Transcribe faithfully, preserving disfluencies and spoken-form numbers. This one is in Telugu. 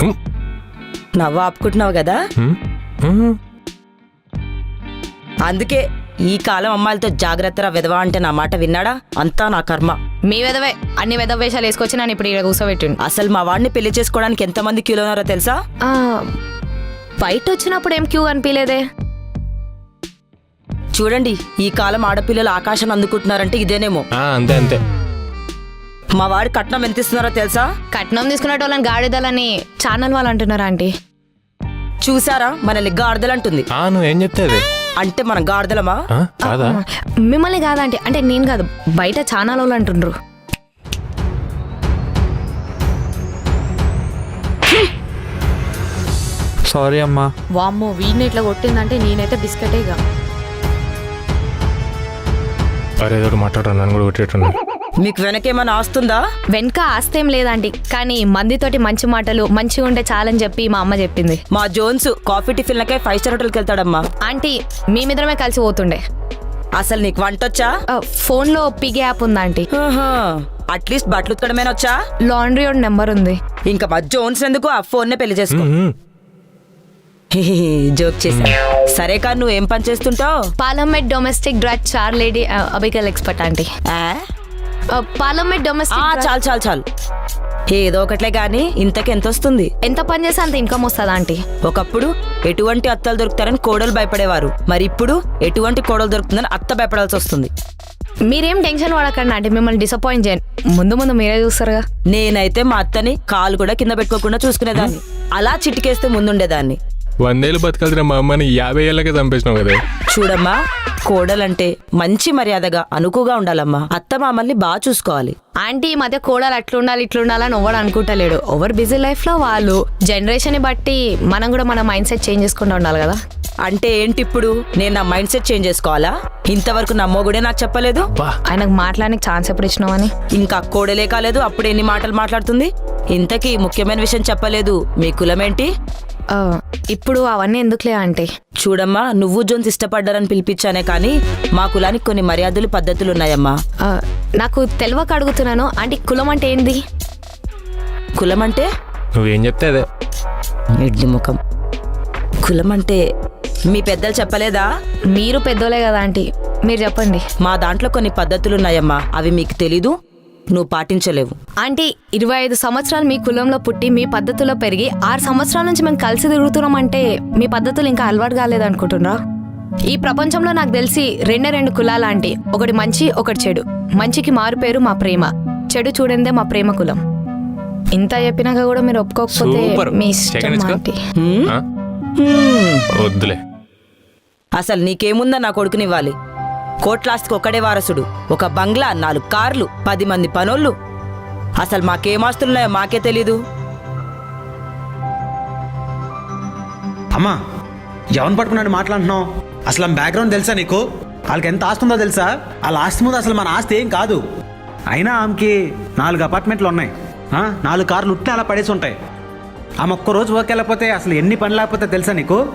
నవ్వు ఆపుకుంటున్నావు కదా, అందుకే ఈ కాలం అమ్మాయిలతో జాగ్రత్తరా విధవా అంటే నా మాట విన్నాడా? అంతా నా కర్మ. మీ విధవే అన్ని విధవ వేషాలు వేసుకొచ్చి నన్ను ఇప్పుడు ఇక్కడ కూర్చోబెట్టిండు. అసలు మా వాడిని పెళ్లి చేసుకోవడానికి ఎంతమంది క్యూలో ఉన్నారో తెలుసా? ఆ, బయట వచ్చినప్పుడు ఏం క్యూ అనిపించలేదే. చూడండి, ఈ కాలం ఆడపిల్లలు ఆకాశం అందుకుంటున్నారంటే ఇదేనేమో. అంతే అంతే. మా వాడి కట్నం ఎంత ఇస్తున్నారో తెలుసా? కట్నం తీసుకునే వాళ్ళని గాడిదలని ఛానల్ వాళ్ళు అంటున్నారా ఆంటీ? చూసారా, మనల్ని గాడిదలంటుంది. నువ్వేం చెప్తే అంటే మనం గాడిదలమా? కాదా? మిమ్మల్ని కాదంటే, అంటే నేను కాదు, బయట ఛానల్ వాళ్ళు అంటుండ్రు. సారీ అమ్మా. వామ్మో, వీడిని ఇట్లా కొట్టిందంటే నేనైతే బిస్కెటేగా. అరే ఏదో మాట్లాడరా, నన్ను కూడా కొట్టేట్టున్నా. మీకు వెనకేమైనా ఆస్తుందా? వెనక ఆస్తేం లేదంటీ, కానీ మందితోటి మంచి మాటలు మంచిగా ఉంటే చాలని చెప్పి మా అమ్మ చెప్పింది. మా జోన్స్ కాఫీ టిఫిన్లకే ఫైవ్ స్టార్ హోటల్కి వెళ్తాడమ్మా. ఆంటీ, మేమిద్దరమే కలిసి పోతుండే. అసలు నీకు వంటొచ్చా? ఫోన్ లో పిగ్ యాప్ ఉందా ఆంటీ? అట్లీస్ట్ బట్టలు ఉతకడమేనా వచ్చా? లాండ్రీ ఒక నెంబర్ ఉంది. ఇంకా మా జోన్స్ ఎందుకు, ఆ ఫోన్ నే పెళ్లి చేసుకో. జోక్ చేసా. సరే కానీ నువ్వేం పని చేస్తుంటావు? Parliament domestic drug char lady అబికల్ ఎక్స్పర్ట్ ఆంటీ. Parliament domestic. చాలు చాలు చాలు, ఏదో ఒకట్లే గానీ ఇంతకి ఎంత వస్తుంది? ఎంత పని చేస్తే అంత ఇన్కమ్ వస్తుంది ఆంటీ. ఒకప్పుడు ఎటువంటి అత్తలు దొరుకుతారని కోడలు భయపడేవారు, మరి ఇప్పుడు ఎటువంటి కోడలు దొరుకుతుందని అత్త భయపడాల్సి వస్తుంది. మీరేం టెన్షన్ పడకండి ఆంటీ, మిమ్మల్ని డిసప్పాయింట్ చేయను. ముందు ముందు మీరే చూస్తారుగా. నేనైతే మా అత్తని కాలు కూడా కింద పెట్టుకోకుండా చూసుకునేదాన్ని, అలా చిటికేస్తే ముందుండేదాన్ని. వందేళ్ళు బతకాల్సిన మా అమ్మని యాభై ఏళ్ళకే చంపేసినావు కదా. చూడమ్మా, కోడలంటే మంచి మర్యాదగా అనుకుగా ఉండాలమ్మా. అత్త మామల్ని బాగా చూసుకోవాలి. ఆంటీ, ఈ మధ్య కోడలు అట్లుండాలి ఇట్లుండాలని ఎవరు అనుకుంటలేడు. ఓవర్ బిజీ లైఫ్ లో వాళ్ళు. జనరేషన్ ని బట్టి మనం కూడా మన మైండ్ సెట్ చేంజ్ చేసుకుంటూ ఉండాలి కదా. అంటే ఏంటి ఇప్పుడు నేను నా మైండ్ సెట్ చేంజ్ చేసుకోవాలా? ఇంతవరకు నా మొగుడే నాకు చెప్పలేదు. ఆయనకు మాట్లాడడానికి ఛాన్స్ ఎప్పుడు ఇచ్చినావని. ఇంకా కోడలే కాలేదు, అప్పుడు ఎన్ని మాటలు మాట్లాడుతుంది. ఇంతకీ ముఖ్యమైన విషయం చెప్పలేదు, మీ కులమేంటి? ఇప్పుడు అవన్నీ ఎందుకులే అంటే. చూడమ్మా, నువ్వు జోన్స్ ఇష్టపడ్డారని పిలిపించానే కానీ మా కులానికి కొన్ని మర్యాదలు పద్ధతులు ఉన్నాయమ్మా. నాకు తెలియక అడుగుతున్నాను ఆంటీ, కులం అంటే ఏంది? కులం అంటే నువ్వేం చెప్తే అదే. ఎడ్డి ముఖం. కులం అంటే మీ పెద్దలు చెప్పలేదా? మీరు పెద్దోలే కదా ఆంటీ, మీరు చెప్పండి. మా దాంట్లో కొన్ని పద్ధతులు ఉన్నాయమ్మా, అవి మీకు తెలీదు, నువ్వు పాటించలేవు. ఆంటీ, ఇరవై ఐదు సంవత్సరాలు మీ కులంలో పుట్టి మీ పద్ధతుల్లో పెరిగి ఆరు సంవత్సరాల నుంచి మేము కలిసి తిరుగుతున్నాం అంటే మీ పద్ధతులు ఇంకా అలవాటు కాలేదు అనుకుంటున్నారా? ఈ ప్రపంచంలో నాకు తెలిసి రెండే రెండు కులాలు ఆంటీ, ఒకటి మంచి ఒకటి చెడు. మంచికి మారు పేరు మా ప్రేమ, చెడు చూడందే మా ప్రేమ కులం. ఇంత చెప్పినాక కూడా మీరు ఒప్పుకోకపోతే మీ ఇష్టం ఆంటీ. వద్దులే. అసలు నీకేముందా నా కొడుకునివ్వాలి? కోట్లాస్తికి ఒక్కడే వారసుడు, ఒక బంగ్లా, నాలుగు కార్లు, పది మంది పనోళ్ళు. అసలు మాకేమాస్తున్నాయో మాకే తెలీదు. అమ్మా, ఎవరిని పట్టుకున్నాడు మాట్లాడుతున్నావు? అసలు ఆమె బ్యాక్గ్రౌండ్ తెలుసా నీకు? వాళ్ళకి ఎంత ఆస్తి ఉందో తెలుసా? వాళ్ళ ఆస్తి ముందు అసలు మన ఆస్తి ఏం కాదు. అయినా ఆమెకి నాలుగు అపార్ట్మెంట్లు ఉన్నాయి, నాలుగు కార్లు ఉట్టిన అలా పడేసి ఉంటాయి. ఆమె ఒక్కరోజు వర్క్ వెళ్ళకపోతే అసలు ఎన్ని పని లేకపోతే తెలుసా నీకు?